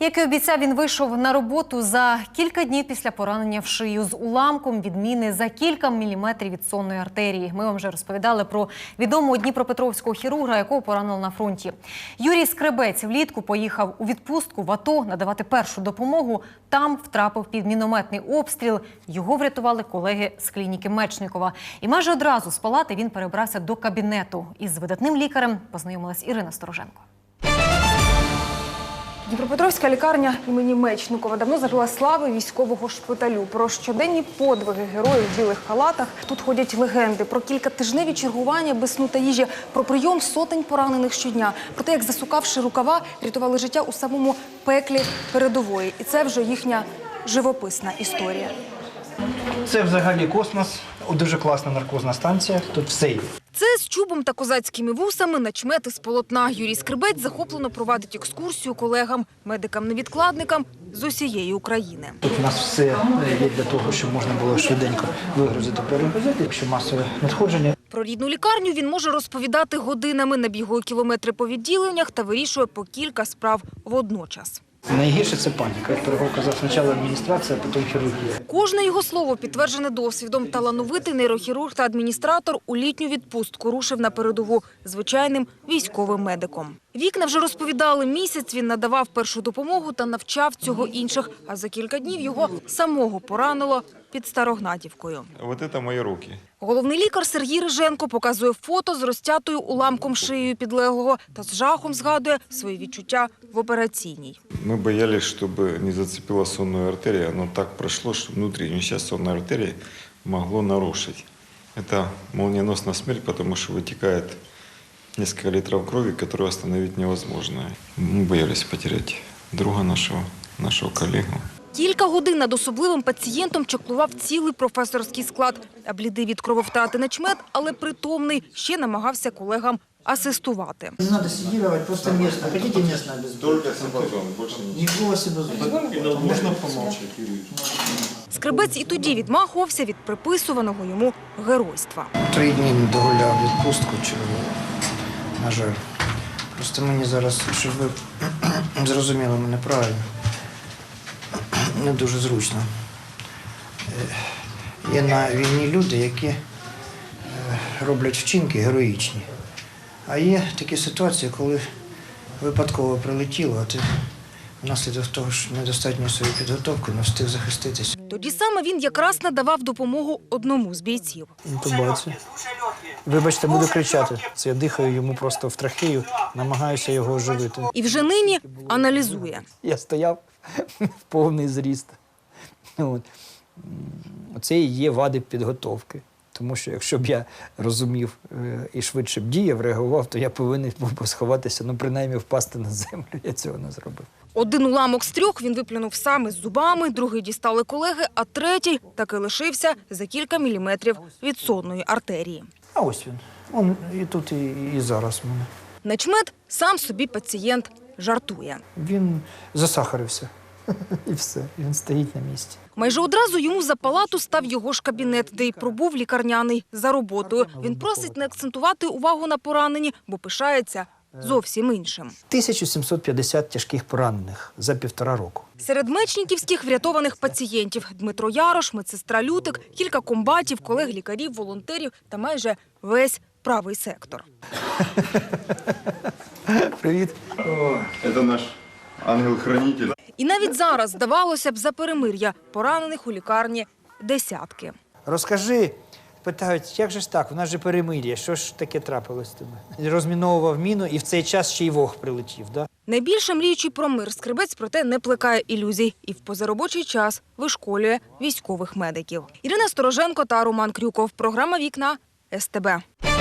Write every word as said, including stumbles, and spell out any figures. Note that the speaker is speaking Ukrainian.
Як і обіцяв, він вийшов на роботу за кілька днів після поранення в шию з уламком від міни за кілька міліметрів від сонної артерії. Ми вам вже розповідали про відомого дніпропетровського хірурга, якого поранили на фронті. Юрій Скребець влітку поїхав у відпустку в АТО надавати першу допомогу. Там втрапив під мінометний обстріл. Його врятували колеги з клініки Мечникова. І майже одразу з палати він перебрався до кабінету. Із видатним лікарем познайомилась Ірина Стороженко. Дніпропетровська лікарня імені Мечникова давно зажила слави військового шпиталю. Про щоденні подвиги героїв в білих халатах тут ходять легенди. Про кількатижневі чергування без сну та їжі, про прийом сотень поранених щодня. Про те, як, засукавши рукава, рятували життя у самому пеклі передової. І це вже їхня живописна історія. Це взагалі космос, дуже класна наркозна станція, тут все є. Це з чубом та козацькими вусами начмет із полотна. Юрій Скребець захоплено провадить екскурсію колегам, медикам-невідкладникам з усієї України. Тут у нас все є для того, щоб можна було швиденько вигрузити, перегрузити, якщо масове надходження. Про рідну лікарню він може розповідати годинами, набігує кілометри по відділеннях та вирішує по кілька справ водночас. Найгірше – це паніка. Як Пирогов казав, спочатку адміністрація, а потім хірургія. Кожне його слово підтверджене досвідом. Талановитий нейрохірург та адміністратор у літню відпустку рушив на передову звичайним військовим медиком. Вікна вже розповідали, місяць він надавав першу допомогу та навчав цього інших. А за кілька днів його самого поранило під Старогнатівкою. Ось це мої руки. Головний лікар Сергій Риженко показує фото з розтятою уламком шиєю підлеглого та з жахом згадує свої відчуття в операційній. Ми боялись, щоб не зацепила сонну артерію, але так пройшло, що внутрішню частину сонної артерії могло нарушити. Це молниеносна смерть, тому що витікає кілька літрів крові, яку остановити невозможно. Ми боялись потеряти друга нашого, нашого колегу. Кілька годин над особливим пацієнтом чеклував цілий професорський склад. А блідий від крововтрати начмет, але притомний, ще намагався колегам асистувати. Не треба сидіти, просто місце. Хотите місце обов'язково? Тільки симпатон, більше нічого. Нікого себе зробити. Можна помовчати, Юрій? Скребець і тоді відмахувався від приписуваного йому геройства. Три дні не догуляв відпустку чергову, на жаль. Просто мені зараз, щоб ви зрозуміли мене правильно, не дуже зручно. Є на війні люди, які роблять вчинки героїчні. А є такі ситуації, коли випадково прилетіло, а ти внаслідок того, що недостатньо своєї підготовки, не встиг захиститися. Тоді саме він якраз надавав допомогу одному з бійців. Інтубація. Вибачте, буду кричати. Це я дихаю йому просто в трахею, намагаюся його оживити. І вже нині аналізує. Я стояв в повний зріст. От. Оце і є вади підготовки. Тому що якщо б я розумів і швидше б діяв, реагував, то я повинен був би сховатися, ну принаймні впасти на землю. Я цього не зробив. Один уламок з трьох він виплюнув сам із зубами, другий дістали колеги, а третій таки лишився за кілька міліметрів від сонної артерії. А ось він. Он і тут, і, і зараз в мене. Начмет сам собі пацієнт жартує. Він засахарився. І все. Він стоїть на місці. Майже одразу йому за палату став його ж кабінет, де й пробув лікарняний за роботою. Він просить не акцентувати увагу на пораненні, бо пишається зовсім іншим. тисяча сімсот п'ятдесят тяжких поранених за півтора року. Серед мечниківських врятованих пацієнтів – Дмитро Ярош, медсестра Лютик, кілька комбатів, колег-лікарів, волонтерів та майже весь правий сектор. Привіт. Це наш ангел-хранитель. І навіть зараз, здавалося б, за перемир'я поранених у лікарні десятки. Розкажи, питають, як же ж так, у нас же перемир'я, що ж таке трапилось з тебе? Розміновував міну і в цей час ще й вог прилетів, да? Найбільше мріючи про мир, Скребець, проте, не плекає ілюзій і в позаробочий час вишколює військових медиків. Ірина Стороженко та Роман Крюков. Програма «Вікна» ес те бе.